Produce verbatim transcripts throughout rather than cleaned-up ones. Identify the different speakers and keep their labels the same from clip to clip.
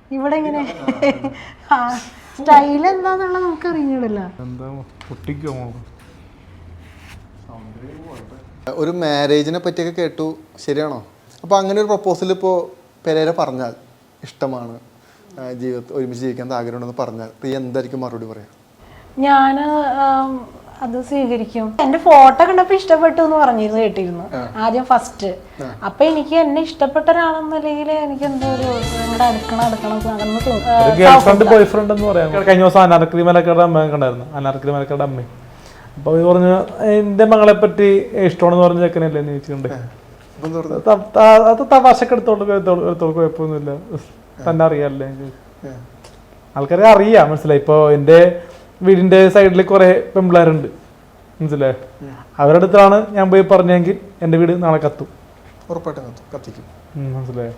Speaker 1: ഇവിടെ ഇങ്ങനെ സ്റ്റൈൽ എന്താന്നുള്ള നമുക്ക് അറിഞ്ഞിടില്ല.
Speaker 2: ഒരു മാരേജിനെ പറ്റിയൊക്കെ കേട്ടു, ശരിയാണോ? അപ്പോൾ അങ്ങനെ ഒരു പ്രപ്പോസൽ ഇപ്പോൾ പെരേര പറഞ്ഞാൽ ഇഷ്ടമാണ്, ജീവിതത്തിൽ ഒരുമിച്ച് ജീവിക്കാൻ ആഗ്രഹമുണ്ടെന്ന് പറഞ്ഞാൽ പ്രിയ എന്തായിരിക്കും മറുപടി പറയാം?
Speaker 1: ഞാൻ അത് സ്വീകരിക്കും. എന്റെ ഫോട്ടോ കണ്ടപ്പോ ഇഷ്ടപ്പെട്ടു എന്ന് പറഞ്ഞിരുന്നു കേട്ടിരുന്നു ആദ്യം ഫസ്റ്റ്. അപ്പൊ എനിക്ക് എന്നെ ഇഷ്ടപ്പെട്ട ഒരാളെന്നല്ലെങ്കിൽ എനിക്ക് എന്തോ ഒരു അടുക്കണം അടുക്കണം
Speaker 3: ഗേൾഫ്രണ്ട് ബോയ് ഫ്രണ്ട് എന്ന് പറയാം. കഴിഞ്ഞ ദിവസം അനാർക്കലി മലക്കാരുടെ അമ്മ കണ്ടായിരുന്നു, അനാർക്കലി മലക്കാരുടെ അമ്മ. അപ്പൊ ഇത് പറഞ്ഞു എന്റെ മകളെ പറ്റി ഇഷ്ടമാണെന്ന് പറഞ്ഞ ചെക്കനല്ലേ എന്ന് ചോദിച്ചിട്ടുണ്ട്. അത് തമാശക്ക് എടുത്തോണ്ട് എടുത്തോളൂ, കുഴപ്പമൊന്നുമില്ല, തന്നെ അറിയാല്ലേ ആൾക്കാരെ അറിയാം, മനസ്സിലായി. ഇപ്പൊ എന്റെ വീടിന്റെ സൈഡിൽ കുറെ പെമ്പിള്ളേരുണ്ട്, മനസ്സിലായി. അവരുടെ അടുത്താണ് ഞാൻ പോയി പറഞ്ഞെങ്കിൽ എന്റെ വീട് നാളെ കത്തും,
Speaker 2: ഉറപ്പായിട്ടും കത്തിക്കും,
Speaker 3: മനസ്സിലായോ?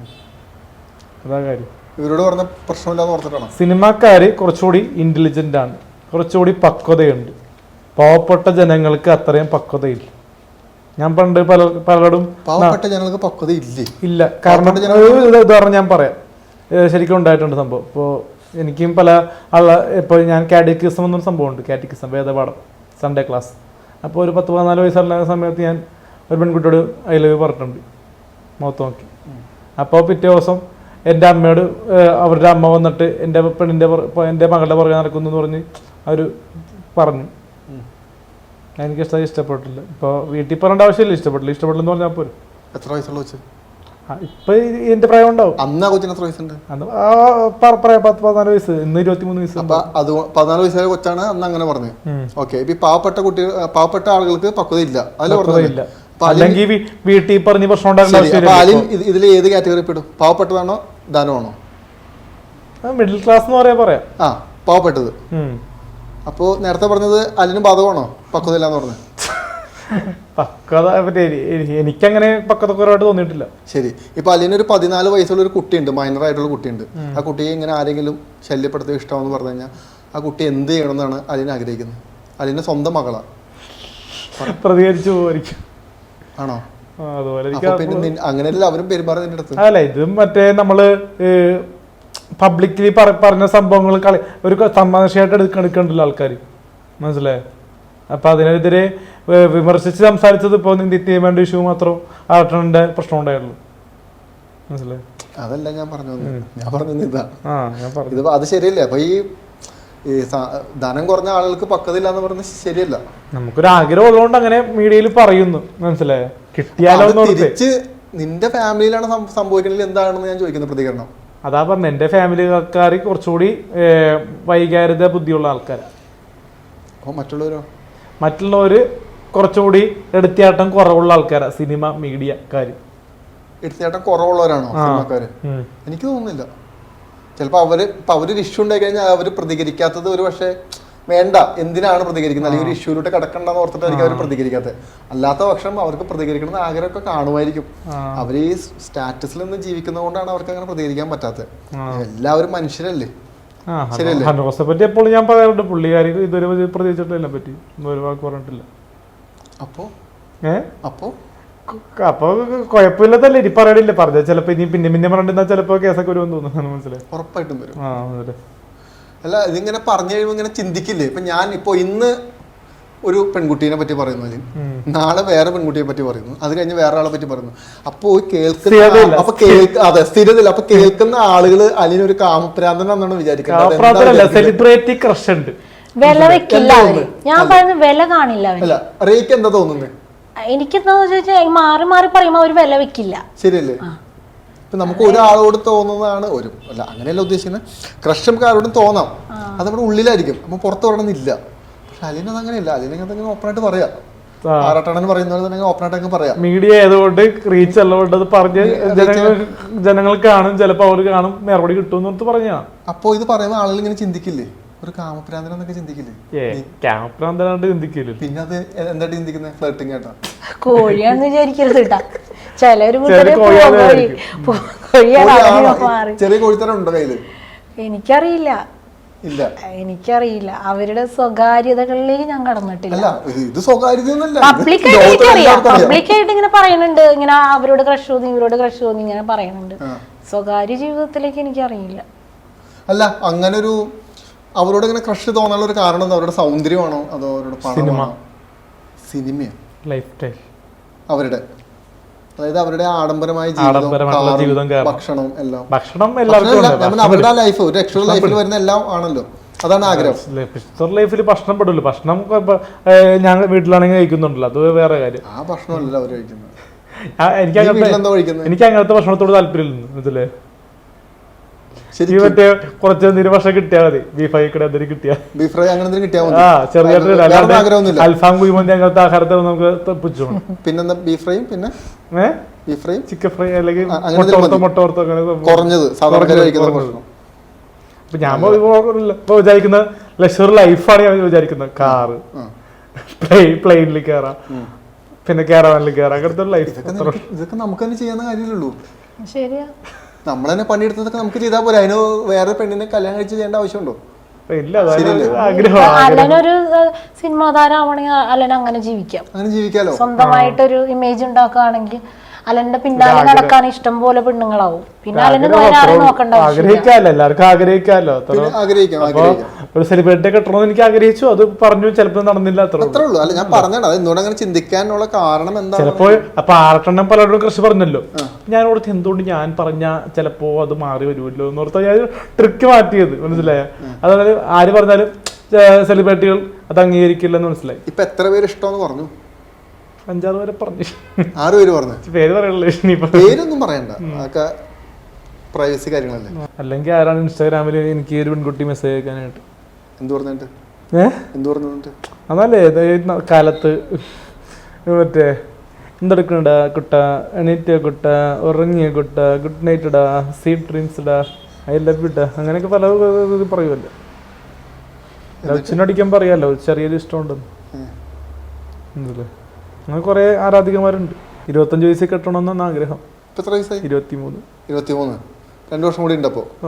Speaker 3: അതാ കാര്യം.
Speaker 2: ഇവരോട് പറഞ്ഞ പ്രശ്നമില്ലാന്ന് ഓർത്തിട്ടാണ്.
Speaker 3: സിനിമാക്കാര് കുറച്ചുകൂടി ഇന്റലിജന്റ് ആണ്, കുറച്ചുകൂടി പക്വതയുണ്ട്. പാവപ്പെട്ട ജനങ്ങൾക്ക് അത്രയും പക്വതയില്ല. ഞാൻ പണ്ട് പല പലരോടും
Speaker 2: പാവപ്പെട്ട ജനങ്ങൾക്ക് പക്വത ഇല്ലേ?
Speaker 3: ഇല്ല. കാരണം ഉദാഹരണം ഞാൻ പറയാം, ശരിക്കും ഉണ്ടായിട്ടുണ്ട് സംഭവം. ഇപ്പോൾ എനിക്കും പല ആള ഇപ്പോൾ ഞാൻ കാറ്റക്കിസം എന്നൊരു സംഭവമുണ്ട്, കാറ്റക്കിസം വേദപാഠം സൺഡേ ക്ലാസ്. അപ്പോൾ ഒരു പത്ത് പതിനാല് വയസ്സുള്ള സമയത്ത് ഞാൻ ഒരു പെൺകുട്ടിയോട് ഐ ലവ് യു പറഞ്ഞിട്ടുണ്ട്, മുഖത്ത് നോക്കി. അപ്പോൾ പിറ്റേ ദിവസം എൻ്റെ അമ്മയോട് അവരുടെ അമ്മ വന്നിട്ട് എൻ്റെ പെണ്ണിൻ്റെ എൻ്റെ മകളുടെ പുറകെ നടക്കുന്നു എന്ന് പറഞ്ഞ് അവർ പറഞ്ഞു. എനിക്കിഷ്ടം ഇഷ്ടപ്പെട്ടില്ല. ഇപ്പോൾ വീട്ടിൽ പറയേണ്ട ആവശ്യമില്ല, ഇഷ്ടപ്പെട്ടില്ല ഇഷ്ടപ്പെട്ടില്ലെന്ന് പറഞ്ഞാൽ പോലും.
Speaker 2: എത്ര വയസ്സുള്ള വെച്ച്
Speaker 3: ഇപ്പൊ എന്റെ പ്രായം ഉണ്ടാവും.
Speaker 2: അന്ന് ആ കൊച്ചിന് എത്ര വയസ്സുണ്ട്?
Speaker 3: പത്ത് പതിനാല് വയസ്സ്, ഇന്ന് ഇരുപത്തിമൂന്ന് വയസ്സ്.
Speaker 2: അത് പതിനാല് വയസ്സായ കൊച്ചാണ് അന്ന് അങ്ങനെ പറഞ്ഞത്. ഓക്കെ. ഇപ്പൊ പാവപ്പെട്ട കുട്ടികൾ, പാവപ്പെട്ട ആളുകൾക്ക് പക്വത ഇല്ല, അതില്ല.
Speaker 3: അല്ലെങ്കിൽ വീട്ടിൽ പറഞ്ഞ് പ്രശ്നം
Speaker 2: ഇതിൽ ഏത് കാറ്റഗറി പെടും? പാവപ്പെട്ടതാണോ ധനമാണോ?
Speaker 3: മിഡിൽ ക്ലാസ് എന്ന് പറയാ പറയാം.
Speaker 2: ആ, പാവപ്പെട്ടത്. അപ്പോ നേരത്തെ പറഞ്ഞത് അലിന് ബാധകമാണോ പക്വത ഇല്ലാന്ന് പറഞ്ഞത്?
Speaker 3: പക്വത എനിക്കങ്ങനെ പക്വത കുറവായിട്ട് തോന്നിയിട്ടില്ല.
Speaker 2: ശരി. ഇപ്പൊ അലിനൊരു പതിനാല് വയസ്സുള്ള ഒരു കുട്ടിയുണ്ട്, മൈനർ ആയിട്ടുള്ള കുട്ടിയുണ്ട്. ആ കുട്ടിയെ ഇങ്ങനെ ആരെങ്കിലും ശല്യപ്പെടുത്തി ഇഷ്ടമെന്ന് പറഞ്ഞു കഴിഞ്ഞാൽ ആ കുട്ടി എന്ത് ചെയ്യണമെന്നാണ് അലിന് ആഗ്രഹിക്കുന്നത്? അലിന്റെ സ്വന്തം മകളാ,
Speaker 3: പ്രതികരിച്ചു പോയിരിക്കും
Speaker 2: ആണോ?
Speaker 3: അതുപോലെ
Speaker 2: അങ്ങനെയല്ല അവരും പെരുമാറും നിന്റെ അടുത്ത്.
Speaker 3: അല്ല, ഇത് മറ്റേ നമ്മള് പബ്ലിക്കലി പറഞ്ഞ സംഭവങ്ങൾ കളി ഒരു തമാശയായിട്ട് എടുക്കണ്ടല്ലോ ആൾക്കാർ, മനസ്സിലായോ? അപ്പൊ അതിനെതിരെ വിമർശിച്ച് സംസാരിച്ചത് ഇപ്പൊ നിത്യമേണ്ട ഇഷ്യൂ മാത്രം ആട്ടന്റെ പ്രശ്നം ഉണ്ടായുള്ളൂ, മനസ്സിലായോ?
Speaker 2: അതല്ല ഞാൻ പറഞ്ഞു, ഞാൻ പറഞ്ഞത് ഇതാ. ഇത് അത് ശരിയല്ലേ? അപ്പൊ ഈ ധനം കുറഞ്ഞ ആളുകൾക്ക് പക്വത ഇല്ലാന്ന് പറഞ്ഞത് ശരിയല്ല.
Speaker 3: നമുക്കൊരു ആഗ്രഹം ഉള്ളതുകൊണ്ട് അങ്ങനെ മീഡിയയിൽ പറയുന്നു, മനസ്സിലായോ? കിട്ടിയാലോ
Speaker 2: തിരിച്ച് നിന്റെ ഫാമിലിയിലാണ് സംഭവിക്കുന്നത് എന്താണെന്ന് ഞാൻ ചോദിക്കുന്ന പ്രതികരണം
Speaker 3: അതാ പറഞ്ഞ. എന്റെ ഫാമിലിക്കാർ കുറച്ചുകൂടി വൈകാരിക ബുദ്ധിയുള്ള ആൾക്കാരാണ്.
Speaker 2: മറ്റുള്ളവരോ?
Speaker 3: മറ്റുള്ളവര് കുറച്ചുകൂടി എടുത്തിയാട്ടം കുറവുള്ള ആൾക്കാരാണ് സിനിമ മീഡിയക്കാര്.
Speaker 2: എടുത്തിയാട്ടം കുറവുള്ളവരാണോ സിനിമക്കാര്? എനിക്ക് തോന്നുന്നില്ല. ചിലപ്പോ അവര് ഇപ്പൊ അവരൊരു ഇഷ്യൂ ഉണ്ടായി കഴിഞ്ഞാൽ അവര് പ്രതികരിക്കാത്തത് ഒരു പക്ഷേ വേണ്ട, എന്തിനാണ് പ്രതികരിക്കുന്നത്, അല്ലെങ്കിൽ ഒരു ഇഷ്യൂലോട്ട് കിടക്കണ്ടെന്ന് ഓർത്തിട്ടായിരിക്കും അവർ പ്രതികരിക്കാത്തത്. അല്ലാത്ത പക്ഷം അവർക്ക് പ്രതികരിക്കണം ആഗ്രഹമൊക്കെ കാണുമായിരിക്കും. അവർ ഈ സ്റ്റാറ്റസിൽ നിന്ന് ജീവിക്കുന്നത് കൊണ്ടാണ് അവർക്ക് അങ്ങനെ പ്രതികരിക്കാൻ പറ്റാത്തത്. എല്ലാവരും മനുഷ്യരല്ലേ, ശരിയല്ലേ?
Speaker 3: ഹനോസെ പറ്റി എപ്പോഴും ഞാൻ പറയാറുണ്ട്, പുള്ളിക്കാരി ഇതുവരെ പ്രതികരിച്ചിട്ടില്ല പറ്റി ഒരു വാക്ക് പറഞ്ഞിട്ടില്ല.
Speaker 2: അപ്പോ
Speaker 3: ഏ
Speaker 2: അപ്പോ
Speaker 3: അപ്പൊ കുഴപ്പമില്ലതല്ലേ ഇനി പറയണില്ല, പറഞ്ഞ ചിലപ്പോ ഇനി പിന്നെ പിന്നെ പറഞ്ഞിരുന്നാൽ ചിലപ്പോ കേസൊക്കെ വരുമെന്ന് തോന്നുന്നു, മനസ്സിലായി?
Speaker 2: ഉറപ്പായിട്ടും വരും.
Speaker 3: ആ അതെ.
Speaker 2: അല്ല, ഇതിങ്ങനെ പറഞ്ഞു കഴിയുമ്പോൾ ഇങ്ങനെ ചിന്തിക്കില്ലേ? ഇപ്പൊ ഞാൻ ഇപ്പൊ ഇന്ന് ഒരു പെൺകുട്ടീനെ പറ്റി പറയുന്നു, നാളെ വേറെ പെൺകുട്ടിയെ പറ്റി പറയുന്നു, അത് കഴിഞ്ഞ് വേറെ ആളെ പറ്റി പറയുന്നു. അപ്പോ കേൾക്കുന്ന അപ്പൊ കേൾക്ക അതെ സ്ഥിരതയില്ല. അപ്പൊ കേൾക്കുന്ന ആളുകള് അലിനൊരു കാമപ്രാന്തനാണെന്നാണ് വിചാരിക്കുന്നത്.
Speaker 3: സെലിബ്രിറ്റി ക്രഷ് ഉണ്ട്,
Speaker 1: വില വെക്കില്ല. ഞാൻ പറയുന്നത് വില കാണില്ല.
Speaker 2: അല്ല, റേക്ക് എന്താ തോന്നുന്നത്?
Speaker 1: എനിക്കെന്താ ചോദിച്ചാൽ മാറി മാറി പറയുമ്പോ അവര് വില വെക്കില്ല,
Speaker 2: ശരിയല്ലേ? ഇപ്പൊ നമുക്ക് ഒരാളോട് തോന്നുന്നതാണ് ഒരു അല്ല അങ്ങനെയല്ല ഉദ്ദേശിക്കുന്നത്. ക്രഷ് നമുക്ക് ആരോടും തോന്നാം, അത് നമ്മുടെ ഉള്ളിലായിരിക്കും, അപ്പൊ പുറത്ത് പറയണമെന്നില്ല. പക്ഷെ അലിനത് അങ്ങനെയല്ല. അലിനെ ഓപ്പണായിട്ട് പറയാം, ആറാട്ടണൻ പറയുന്നത് തന്നെ ഓപ്പണായിട്ട് പറയാം.
Speaker 3: മീഡിയ ആയതുകൊണ്ട് റീച്ച് ഉള്ളതുകൊണ്ട് അത് പറഞ്ഞ് ജനങ്ങൾ കാണും, ചിലപ്പോൾ അവർ കാണും, മറുപടി കിട്ടും എന്ന് പറഞ്ഞാണ്.
Speaker 2: അപ്പൊ ഇത് പറയുന്ന ആളുകൾ ഇങ്ങനെ ചിന്തിക്കില്ലേ, ഒരു കാമപ്രാന്തനൊക്കെ ചിന്തിക്കില്ലേ?
Speaker 3: കാമപ്രാന്തനാണ്ട് ചിന്തിക്കില്ല.
Speaker 2: പിന്നെ അത് എന്തായിട്ട് ചിന്തിക്കുന്നത്? ഫ്ലർട്ടിങ് ആയിട്ടാ?
Speaker 1: കോഴിയാണെന്ന് വിചാരിക്കരുത് കേട്ടാ. ചിലര്
Speaker 2: ചെറിയ കോഴിത്തരം ഉണ്ടോ കയ്യില്?
Speaker 1: എനിക്കറിയില്ല,
Speaker 2: ഇല്ല,
Speaker 1: എനിക്കറിയില്ല. അവരുടെ സ്വകാര്യതകളിലേക്ക് ഞാൻ കടന്നിട്ടില്ല.
Speaker 2: ഇത് സ്വകാര്യത
Speaker 1: പബ്ലിക്കായിട്ട് പബ്ലിക്കായിട്ട് ഇങ്ങനെ പറയുന്നുണ്ട്, ഇങ്ങനെ അവരോട് ക്രഷ് തോന്നി ഇവരോട് ക്രഷ് തോന്നി ഇങ്ങനെ പറയുന്നുണ്ട്. സ്വകാര്യ ജീവിതത്തിലേക്ക് എനിക്കറിയില്ല.
Speaker 2: അല്ല, അങ്ങനെ ഒരു അവരോട് ഇങ്ങനെ ക്രഷ് തോന്നാനുള്ള ഒരു കാരണം എന്താ? അവരുടെ സൗന്ദര്യമാണോ അതോ അവരുടെ പണമാണോ? സിനിമയോ
Speaker 3: ലൈഫ് സ്റ്റൈൽ
Speaker 2: അവരുടെ, അതായത് അവരുടെ ആഡംബരമായ
Speaker 3: ജീവിതം,
Speaker 2: ഭക്ഷണം എല്ലാം.
Speaker 3: ഭക്ഷണം എല്ലാവർക്കും
Speaker 2: അവരുടെ ലൈഫ് ഒരു എക്സ്ട്രാ ലൈഫിൽ വരുന്ന എല്ലാം ആണല്ലോ, അതാണ് ആഗ്രഹം.
Speaker 3: ലൈഫിൽ ഭക്ഷണം പെടില്ല. ഭക്ഷണം ഞാൻ വീട്ടിലാണെങ്കിൽ കഴിക്കുന്നുണ്ടല്ലോ, അത് വേറെ കാര്യം.
Speaker 2: ആ ഭക്ഷണമല്ല അവർ കഴിക്കുന്നത്.
Speaker 3: എനിക്ക് എനിക്ക് അങ്ങനത്തെ ഭക്ഷണത്തോട് താല്പര്യമില്ല. ഇതില് ഈ മറ്റേ കുറച്ച് എന്തെങ്കിലും ഭക്ഷണം കിട്ടിയാൽ മതി. ബീഫ് ഫ്രൈ എന്തെങ്കിലും കിട്ടിയാൽ
Speaker 2: ബീഫ് ഫ്രൈ അങ്ങനെ കിട്ടിയാൽ മതി.
Speaker 3: ആ ചെറിയ അൽഫാം കുഴിമന്തി അങ്ങനത്തെ ആഹാരത്തെ നമുക്ക് തപ്പിച്ചു.
Speaker 2: പിന്നെന്താ ബീഫ് ഫ്രൈയും പിന്നെ ബീഫ് ഫ്രൈ, ചിക്കൻ
Speaker 3: ഫ്രൈ അല്ലെങ്കിൽ മുട്ട ഓർത്തോ അങ്ങനെ
Speaker 2: കുറഞ്ഞത് സാധാരണ കഴിക്കുന്ന ഭക്ഷണം.
Speaker 3: അപ്പൊ ഞാൻ ഇപ്പൊ വിചാരിക്കുന്ന ലക്ഷറി ലൈഫാണ് ഞാൻ വിചാരിക്കുന്നത്. കാറ്, പ്ലെയിനിൽ കയറാം, പിന്നെ കാരവാനിൽ കയറാം, അങ്ങനത്തെ ലൈഫ്.
Speaker 2: ഇതൊക്കെ നമുക്ക് തന്നെ ചെയ്യാവുന്ന കാര്യമല്ലോ.
Speaker 1: ശരിയാ,
Speaker 2: നമ്മൾ തന്നെ പണിയെടുത്തതൊക്കെ നമുക്ക് ചെയ്താൽ പോലെ. അതിന് വേറെ പെണ്ണിനെ കല്യാണം കഴിച്ച് ചെയ്യേണ്ട ആവശ്യമുണ്ടോ?
Speaker 1: അലനൊരു സിനിമാ താരമാണെങ്കിൽ അലൻ അങ്ങനെ ജീവിക്കാം,
Speaker 2: അങ്ങനെ ജീവിക്കാലോ.
Speaker 1: സ്വന്തമായിട്ടൊരു ഇമേജ് ഉണ്ടാക്കുകയാണെങ്കിൽ അലന്റെ പിന്നാലെ നടക്കാൻ ഇഷ്ടം പോലെ പെണ്ണുങ്ങളാവും. പിന്നെ അലന് വേറെ ആരും നോക്കണ്ട.
Speaker 3: ആഗ്രഹിക്കാല്ലോ, എല്ലാവർക്കും ആഗ്രഹിക്കാമല്ലോ. ഒരു സെലിബ്രിറ്റി കെട്ടണമെന്ന് എനിക്ക് ആഗ്രഹിച്ചു, അത് പറഞ്ഞു, ചിലപ്പോൾ നടന്നില്ല.
Speaker 2: അത്രേ ഉള്ളൂ. അല്ല, ഞാൻ പറഞ്ഞത് എന്തുകൊണ്ട് അങ്ങനെ ചിന്തിക്കാനുള്ള കാരണം എന്താ?
Speaker 3: ചിലപ്പോ അപ്പൊ ആറട്ടെണ്ണം പലരോടും കൃഷി പറഞ്ഞല്ലോ, ഞാൻ ഓർത്ത് എന്തുകൊണ്ട് ഞാൻ പറഞ്ഞ ചിലപ്പോ അത് മാറി വരുമല്ലോ എന്ന് ഓർത്താ ഞാൻ ട്രിക്ക് മാറ്റിയത്. മനസ്സിലായ? അതായത് ആര് പറഞ്ഞാലും സെലിബ്രിറ്റികൾ അത് അംഗീകരിക്കില്ലെന്ന് മനസ്സിലായി.
Speaker 2: ഇപ്പൊ എത്ര പേര് ഇഷ്ടമെന്ന് പറഞ്ഞു?
Speaker 3: അഞ്ചാറ് പേരെ പറഞ്ഞു.
Speaker 2: ആറ് പേര് പറഞ്ഞു.
Speaker 3: പേര് പറയണല്ലോ,
Speaker 2: പേരൊന്നും പറയണ്ട, അതൊക്കെ പ്രൈവസി കാര്യങ്ങളല്ലേ.
Speaker 3: അല്ലെങ്കിൽ ആരാണ് ഇൻസ്റ്റാഗ്രാമിൽ എനിക്ക് ഒരു പെൺകുട്ടി മെസ്സേജ് അയക്കാനായിട്ട്?
Speaker 2: എന്ത് പറഞ്ഞിട്ട്?
Speaker 3: ഏഹ് എന്ത്
Speaker 2: പറഞ്ഞിട്ട്?
Speaker 3: അതല്ലേ കാലത്ത് മറ്റേ എന്തെടുക്കണടാ കുട്ട, എണീറ്റ കുട്ട, ഉറങ്ങിയ കുട്ട, ഗുഡ് നൈറ്റ് ഇടാ, സ്വീറ്റ് ഡ്രീംസ് ഇടാ, ഐ ലവ് ഇടാ, അങ്ങനെയൊക്കെ പല ഇത് പറയുമല്ലോ. ലക്ഷ്യനടിക്കാൻ പറയാമല്ലോ, ചെറിയൊരു ഇഷ്ടമുണ്ടെന്ന്. അങ്ങനെ കുറെ ആരാധികമാരുണ്ട്. ഇരുപത്തഞ്ച് വയസ്സിൽ കെട്ടണമെന്നാണ് ആഗ്രഹം. ഇരുപത്തിമൂന്ന്
Speaker 2: ഇരുപത്തിമൂന്ന് രണ്ടു വർഷം കൂടി ഉണ്ടപ്പോ.
Speaker 3: ആ,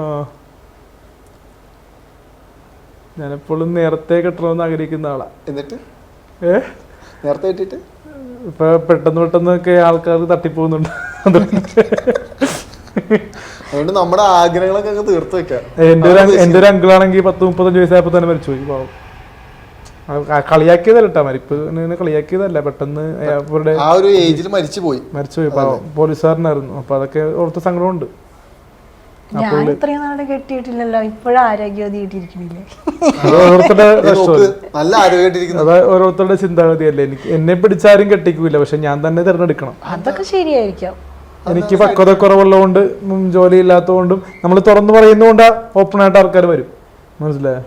Speaker 3: ഞാനെപ്പോഴും നേരത്തെ കെട്ടണമെന്ന് ആഗ്രഹിക്കുന്ന ആളാ.
Speaker 2: എന്നിട്ട്
Speaker 3: ഏ
Speaker 2: നേരത്തെ കെട്ടിട്ട്
Speaker 3: ഇപ്പൊ പെട്ടെന്ന് പെട്ടെന്നൊക്കെ ആൾക്കാർ തട്ടിപ്പോകുന്നുണ്ട്.
Speaker 2: അതുകൊണ്ട് നമ്മുടെ ആഗ്രഹങ്ങളൊക്കെ തീർത്ത് വെക്കാം.
Speaker 3: എന്റെ ഒരു എന്റെ ഒരു അങ്കിളാണെങ്കിൽ പത്ത് മുപ്പത്തഞ്ച് വയസ്സായപ്പോ തന്നെ മരിച്ചുപോയി. പാവം. കളിയാക്കിയതല്ല കേട്ടാ, മരിപ്പ് കളിയാക്കിയതല്ല, പെട്ടെന്ന് അവരുടെ
Speaker 2: ആ ഒരു ഏജിൽ മരിച്ചുപോയി
Speaker 3: മരിച്ചുപോയി. പാവം, പോലീസുകാരനായിരുന്നു. അപ്പൊ അതൊക്കെ ഓർത്ത സങ്കടമുണ്ട്.
Speaker 1: ഞാൻ ഇത്രയും നാളെ കെട്ടിയിട്ടില്ലല്ലോ, ഇപ്പോഴും ആരോഗ്യവതി കിട്ടിയിരിക്കണില്ലേ?
Speaker 3: ഓരോരുത്തരുടെ
Speaker 2: നല്ല ആരോഗ്യമായിട്ടിരിക്കുന്നു.
Speaker 3: അത് ഓരോരുത്തരുടെ ചിന്താഗതിയല്ലേ. എനിക്ക് എന്നെ പിടിച്ചാരും കെട്ടിക്കൂല, പക്ഷെ ഞാൻ തന്നെ തിരഞ്ഞെടുക്കണം.
Speaker 1: അതൊക്കെ ശരിയായിരിക്കാം.
Speaker 3: എനിക്ക് പക്വത കുറവുള്ളതുകൊണ്ട്, ജോലി ഇല്ലാത്തതുകൊണ്ടും, നമ്മൾ തുറന്നു പറയുന്നതുകൊണ്ട് ഓപ്പൺ ആയിട്ട് ആൾക്കാർ വരും. മനസ്സിലായോ?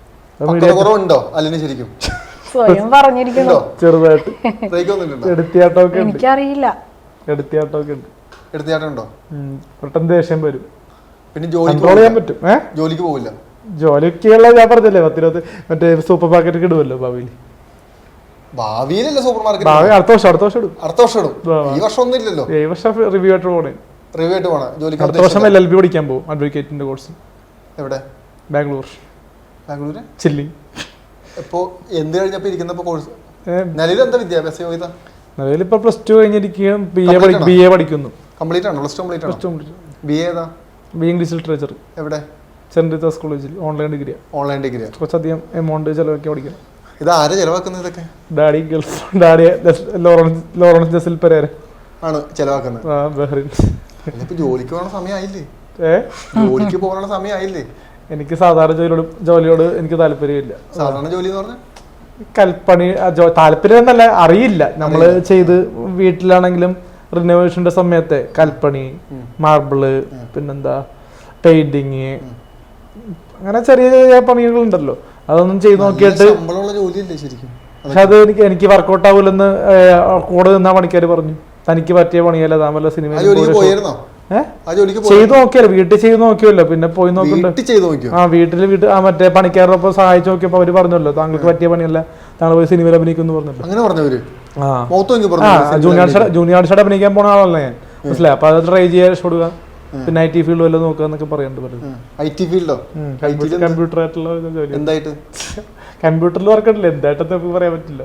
Speaker 1: സ്വയം പറഞ്ഞിരിക്കുന്നു
Speaker 3: ചെറുതായിട്ട്. എടുത്തിയാട്ടമൊക്കെ
Speaker 1: എനിക്കറിയില്ല.
Speaker 3: എടുത്തിയാട്ടമൊക്കെ ഉണ്ട്.
Speaker 2: എടുത്തിയാട്ടുണ്ടോ?
Speaker 3: പെട്ടെന്ന് ദേഷ്യം വരും.
Speaker 2: പിന്നെ
Speaker 3: കൺട്രോൾ ചെയ്യാൻ പറ്റും. ഏഹ്
Speaker 2: ജോലിക്ക് പോകില്ല.
Speaker 3: ജോലിക്കുള്ള ഞാൻ പറഞ്ഞല്ലേ, പത്തിരുപത് മറ്റേ സൂപ്പർ മാർക്കറ്റ് ഇടുമല്ലോ ഭാവിയിൽ.
Speaker 2: ഭാവിയിലല്ല സൂപ്പർ മാർക്കറ്റ്,
Speaker 3: ഭാവി അടുത്ത വർഷം അടുത്ത വർഷം ഇടും.
Speaker 2: അടുത്ത വർഷം ഇടും. ഈ വർഷം ഒന്നും ഇല്ലല്ലോ.
Speaker 3: ഈ വർഷം റിവ്യൂ ആയിട്ട് പോകണേ.
Speaker 2: റിവ്യൂ ആയിട്ട് പോകണം. ജോലിക്ക്
Speaker 3: അടുത്ത വർഷം എൽ എൽ ബി പഠിക്കാൻ പോകും, അഡ്വക്കേറ്റിന്റെ കോഴ്സ്.
Speaker 2: എവിടെ?
Speaker 3: ബാംഗ്ലൂർ.
Speaker 2: ബാംഗ്ലൂര്
Speaker 3: ചില്ലി.
Speaker 2: ഇപ്പോ എന്ത് കഴിഞ്ഞപ്പോ ഇരിക്കുന്നപ്പോ കോഴ്സ് നിലവിൽ എന്താ വിദ്യാഭ്യാസ യോഗ്യത?
Speaker 3: നിലവിൽ ഇപ്പൊ പ്ലസ് ടു കഴിഞ്ഞിരിക്കുകയും ബി എ ബി എ പഠിക്കുന്നു.
Speaker 2: കംപ്ലീറ്റ് ആണോ? പ്ലസ് ടു കംപ്ലീറ്റ് ആണോ? ബി എ ഏതാ?
Speaker 3: B English literature.
Speaker 2: എവിടെ?
Speaker 3: സെന്റ് റീതാസ് കോളേജിൽ. Online degree.
Speaker 2: Online degree.
Speaker 3: കുറച്ചധികം എമൗണ്ട് ചെലവാക്കി പഠിക്കണം.
Speaker 2: ഇത് ആരെ ചെലവാക്കുന്നത്? ഇതൊക്കെ
Speaker 3: daddy Gulf daddy Lawrence Lawrence Jasil Pereira
Speaker 2: ആണ് ചെലവാക്കുന്നത്.
Speaker 3: ആ, ബഹ്റിൻ.
Speaker 2: ഇപ്പൊ ജോലിക്ക് പോകാനുള്ള സമയമായില്ലേ? ഏ ജോലിക്ക് പോകാനുള്ള സമയമായില്ലേ?
Speaker 3: എനിക്ക് സാധാരണ ജോലിയോട് ജോലിയോട് എനിക്ക് താല്പര്യമില്ല.
Speaker 2: സാധാരണ ജോലി എന്ന് പറഞ്ഞാൽ
Speaker 3: കൽപ്പണി താല്പര്യം എന്നല്ല, അറിയില്ല. നമ്മള് ചെയ്ത് വീട്ടിലാണെങ്കിലും റിനോവേഷന്റെ സമയത്തെ കൽപ്പണി, മാർബിള്, പിന്നെന്താ പെയിന്റിങ്, അങ്ങനെ ചെറിയ ചെറിയ പണികളുണ്ടല്ലോ, അതൊന്നും ചെയ്ത് നോക്കിയിട്ട്. പക്ഷെ അത് എനിക്ക് എനിക്ക് വർക്കൗട്ട് ആവൂലെന്ന് കൂടെ നിന്നാ പണിക്കാര് പറഞ്ഞു. തനിക്ക് പറ്റിയ പണിയല്ല, താൻ വല്ല സിനിമ ചെയ്ത് നോക്കിയല്ലോ, വീട്ടിൽ ചെയ്ത് നോക്കിയല്ലോ, പിന്നെ പോയി നോക്കണ്ട. ആ വീട്ടില് വീട്ടിൽ ആ മറ്റേ പണിക്കാരോടൊപ്പം സഹായിച്ചു നോക്കിയപ്പോ അവര് പറഞ്ഞല്ലോ, താങ്കൾക്ക് പറ്റിയ പണിയല്ല, താങ്കൾ പോയി സിനിമയിൽ അഭിനയിക്കുന്നു പറഞ്ഞല്ലോ. ആ ജൂനിയർ ജൂനിയർ ഷാഡ് അഭിനയിക്കാൻ പോണ ആളല്ല ഞാൻ, മനസ്സിലായി. അപ്പൊ അത് ട്രൈ ചെയ്യാൻ കൊടുക്കുക, പിന്നെ ഐ ടി ഫീൽഡ് വല്ലതും നോക്കുക എന്നൊക്കെ പറയുന്നുണ്ട്. കമ്പ്യൂട്ടർ ആയിട്ടുള്ള ജോലി. എന്തായിട്ട് കമ്പ്യൂട്ടറിൽ വർക്കട്ടില്ല, എന്തായിട്ടെന്ന് നമുക്ക് പറയാൻ പറ്റില്ല.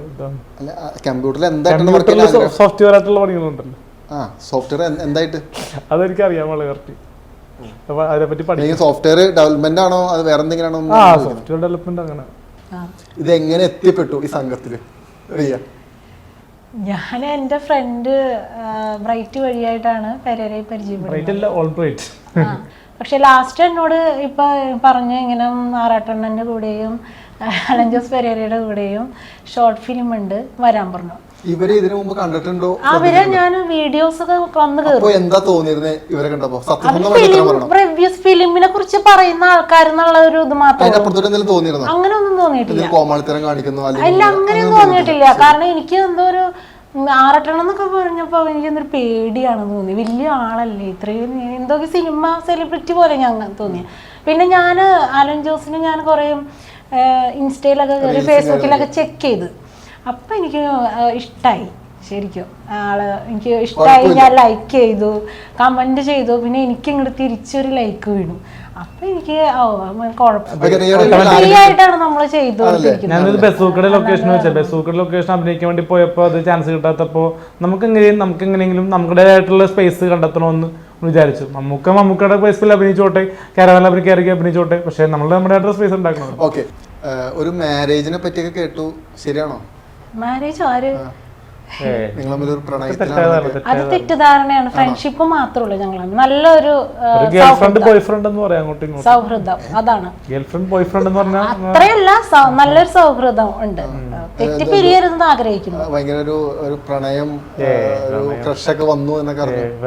Speaker 3: കമ്പ്യൂട്ടറിൽ സോഫ്റ്റ്വെയർ ആയിട്ടുള്ള പണികളുണ്ടല്ലോ.
Speaker 2: സോഫ്റ്റ്വെയർ എന്തായിട്ട്
Speaker 3: അതെനിക്ക് അറിയാൻ വളരെ കറക്റ്റ്. അപ്പൊ അതിനെപ്പറ്റി പഠിക്കും.
Speaker 2: സോഫ്റ്റ്വെയർ ഡെവലപ്മെന്റ് ആണോ അത് വേറെ എന്തെങ്കിലും
Speaker 3: ആ സോഫ്റ്റ്വെയർ ഡെവലപ്മെന്റ് അങ്ങനെ.
Speaker 2: ഇത് എങ്ങനെ എത്തിപ്പെട്ടു ഈ സംഘത്തില്? റിയ,
Speaker 1: ഞാൻ എൻ്റെ ഫ്രണ്ട് ബ്രൈറ്റ് വഴിയായിട്ടാണ് പെരേരയെ പരിചയപ്പെടുന്നത്. പക്ഷെ ലാസ്റ്റ് എന്നോട് ഇപ്പൊ പറഞ്ഞ ഇങ്ങനെ ആറാട്ടെണ്ണന്റെ കൂടെയും അലൻ ജോസ് പെരേരയുടെ കൂടെയും ഷോർട്ട് ഫിലിം ഉണ്ട്, വരാൻ പറഞ്ഞു.
Speaker 2: ഇവരെ ഇതിനു മുമ്പ് കണ്ടിട്ടുണ്ടോ?
Speaker 1: അവരെ ഞാൻ വീഡിയോസ് ഒക്കെ വന്ന് കേറും.
Speaker 2: എന്താ തോന്നിയിരുന്നത് ഇവരെ കണ്ടപ്പോ?
Speaker 1: റിവ്യൂസ് ഫിലിമിനെ കുറിച്ച് പറയുന്ന ആൾക്കാരെന്നുള്ള ഒരു ഇത് മാത്രമേ അങ്ങനെ ഒന്നും തോന്നിയിട്ടില്ല. അല്ല, അങ്ങനെയൊന്നും തോന്നിയിട്ടില്ല. കാരണം എനിക്ക് എന്തോ ഒരു ആറട്ടെണ്ണം എന്നൊക്കെ പറഞ്ഞപ്പോ എനിക്ക് എന്തൊരു പേടിയാണെന്ന് തോന്നി. വലിയ ആളല്ലേ, ഇത്രയും എന്തോ സിനിമ സെലിബ്രിറ്റി പോലെ ഞാൻ തോന്നി. പിന്നെ ഞാൻ അലൻ ജോസിന് ഞാൻ കുറേ ഇൻസ്റ്റയിലൊക്കെ കയറി ഫേസ്ബുക്കിലൊക്കെ ചെക്ക് ചെയ്ത്, അപ്പം എനിക്ക് ഇഷ്ടമായി. ശരിക്കും ആള് എനിക്ക് ഇഷ്ടമായി. ഞാൻ ലൈക്ക് ചെയ്തു, കമന്റ് ചെയ്തു. പിന്നെ എനിക്ക് ഇങ്ങോട്ട് തിരിച്ചൊരു ലൈക്ക് വീണു. അപ്പൊ എനിക്ക് കുഴപ്പമില്ലായിട്ടാണ് നമ്മൾ ചെയ്തുകൊണ്ടിരിക്കുന്നത്.
Speaker 3: ഞാനൊരു ബസൂക്കയുടെ ലൊക്കേഷൻ വെച്ചാൽ ബസൂക്കയുടെ ലൊക്കേഷൻ അഭിനയിക്കാൻ വേണ്ടി പോയപ്പോൾ അത് ചാൻസ് കിട്ടാത്തപ്പോൾ നമുക്ക് എങ്ങനെയും നമുക്ക് എങ്ങനെയെങ്കിലും നമ്മുടേതായിട്ടുള്ള സ്പേസ് കണ്ടെത്തണമെന്ന് വിചാരിച്ചു. നമുക്ക് മമ്മൂക്കയുടെ സ്പേസിൽ അഭിനയിച്ചോട്ടെ, കാരവാനിൽ അഭിനയിക്കാറൊക്കെ അഭിനയിച്ചോട്ടെ, പക്ഷെ നമ്മൾ നമ്മുടെ സ്പേസ് ഉണ്ടാക്കണം.
Speaker 2: ഓക്കെ, ഒരു മാരേജിനെ പറ്റിയൊക്കെ കേട്ടു, ശരിയാണോ?
Speaker 1: മാരേജ് ആര്?
Speaker 2: അത്
Speaker 1: തെറ്റിദ്ധാരണയാണ്. ഫ്രണ്ട്ഷിപ്പ് മാത്രമേ ഉള്ളൂ ഞങ്ങൾ. നല്ലൊരു സൗഹൃദം, അതാണ്. അത്രയല്ല, നല്ലൊരു സൗഹൃദം ഉണ്ട്. തെറ്റിപ്പിരിയരുതെന്ന് ആഗ്രഹിക്കുന്നു.
Speaker 2: ഭയങ്കര ഒരു ഒരു പ്രണയം, ഒരു ക്രഷ് ഒക്കെ വന്നു എന്നൊക്കെ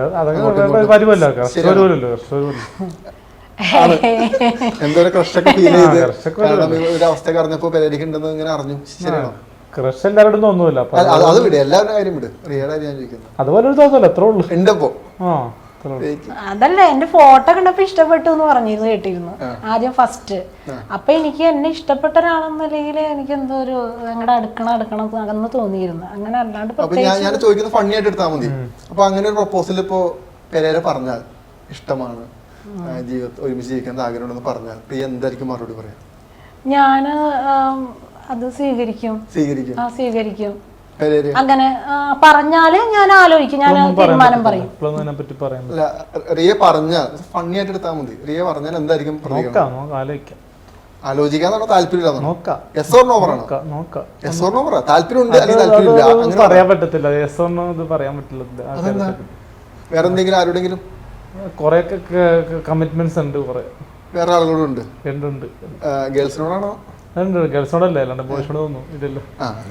Speaker 2: എന്തോ ക്രഷ് ഒക്കെ ഫീൽ ചെയ്ത് ഒരു അവസ്ഥ അറിഞ്ഞപ്പോ പെരേരയ്ക്ക് ഉണ്ടെന്ന് ഇങ്ങനെ അറിഞ്ഞു. ശരിയാണോ?
Speaker 3: ക്രഷ് എല്ലാവരും തോന്നുന്നില്ല. അതുപോലെ ഒരു തോന്നല എത്ര ഉള്ളു ഉണ്ടപ്പോ.
Speaker 1: അതല്ല, എന്റെ ഫോട്ടോ കണ്ടപ്പോ ഇഷ്ടപ്പെട്ടു എന്ന് പറഞ്ഞിരുന്നു, കേട്ടിരുന്നു ആദ്യം ഫസ്റ്റ്. അപ്പൊ എനിക്ക് എന്നെ ഇഷ്ടപ്പെട്ട ഒരാളെന്നല്ലെങ്കിൽ എനിക്ക് എന്തോ ഒരു ഞങ്ങളുടെ അടുക്കണം അടുക്കണം അകന്ന് തോന്നിയിരുന്നു. അങ്ങനെ അല്ലാണ്ട്
Speaker 2: ഞാൻ ചോദിക്കുന്നത് ഫണ്ണി ആയിട്ട് എടുത്താൽ മതി. അപ്പൊ അങ്ങനെ ഒരു പ്രൊപ്പോസൽ ഇപ്പോ പെരേര പറഞ്ഞാൽ ഇഷ്ടമാണ്, ജീവിതത്തിൽ ഒരുമിച്ച് ജീവിക്കാൻ ആഗ്രഹമുണ്ടെന്ന് പറഞ്ഞാൽ പ്രിയ എന്തായിരിക്കും മറുപടി പറയാം?
Speaker 1: ഞാന് അത് സ്വീകരിക്കും.
Speaker 2: സ്വീകരിക്കും
Speaker 1: ആ സ്വീകരിക്കും. അങ്ങനെ പറഞ്ഞാല് ഞാൻ ആലോചിക്കും, ഞാൻ തീരുമാനം പറയും.
Speaker 2: റിയ പറഞ്ഞാൽ ഫണ്ണി ആയിട്ട് എടുത്താൽ മതി. റിയ പറഞ്ഞാൽ എന്തായിരിക്കും ആലോചിക്കാന്നാണോ താല്പര്യം?
Speaker 3: പറയാൻ പറ്റത്തില്ല.
Speaker 2: വേറെ എന്തെങ്കിലും ആരോടെങ്കിലും
Speaker 3: കുറെ കമ്മിറ്റ്മെന്റ്സ് ഉണ്ട്. കുറെ
Speaker 2: വേറെ ആളുകളുണ്ട്.
Speaker 3: ഉണ്ട്.
Speaker 2: ഗേൾസിനോടാണോ?
Speaker 3: ഗേൾസിനോടല്ലേ, അല്ലാണ്ട് ബോയ്സിനോട് തോന്നുന്നു ഇല്ലല്ലോ.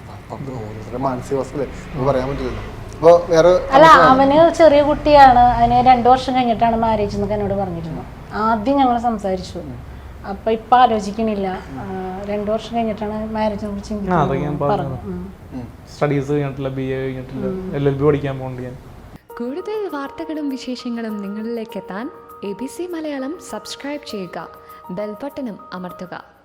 Speaker 1: അല്ല, അവന് ചെറിയ കുട്ടിയാണ്. അതിന് രണ്ടു വർഷം കഴിഞ്ഞിട്ടാണ് മാരേജ് എന്നൊക്കെ എന്നോട് പറഞ്ഞിരുന്നു. ആദ്യം ഞങ്ങൾ സംസാരിച്ചു. അപ്പൊ ഇപ്പൊ ആലോചിക്കണില്ല, രണ്ടു വർഷം കഴിഞ്ഞിട്ടാണ് മാരേജിനെ കുറിച്ച്
Speaker 3: സ്റ്റഡീസ് കഴിഞ്ഞിട്ടില്ല, ബി എ കഴിഞ്ഞിട്ടില്ല, എൽ എൽ ബി പഠിക്കാൻ പോകുന്നുണ്ട് ഞാൻ.
Speaker 4: കൂടുതൽ വാർത്തകളും വിശേഷങ്ങളും നിങ്ങളിലേക്ക് എത്താൻ A B C Malayalam subscribe ചെയ്യുക, ബെൽ ബട്ടണും അമർത്തുക.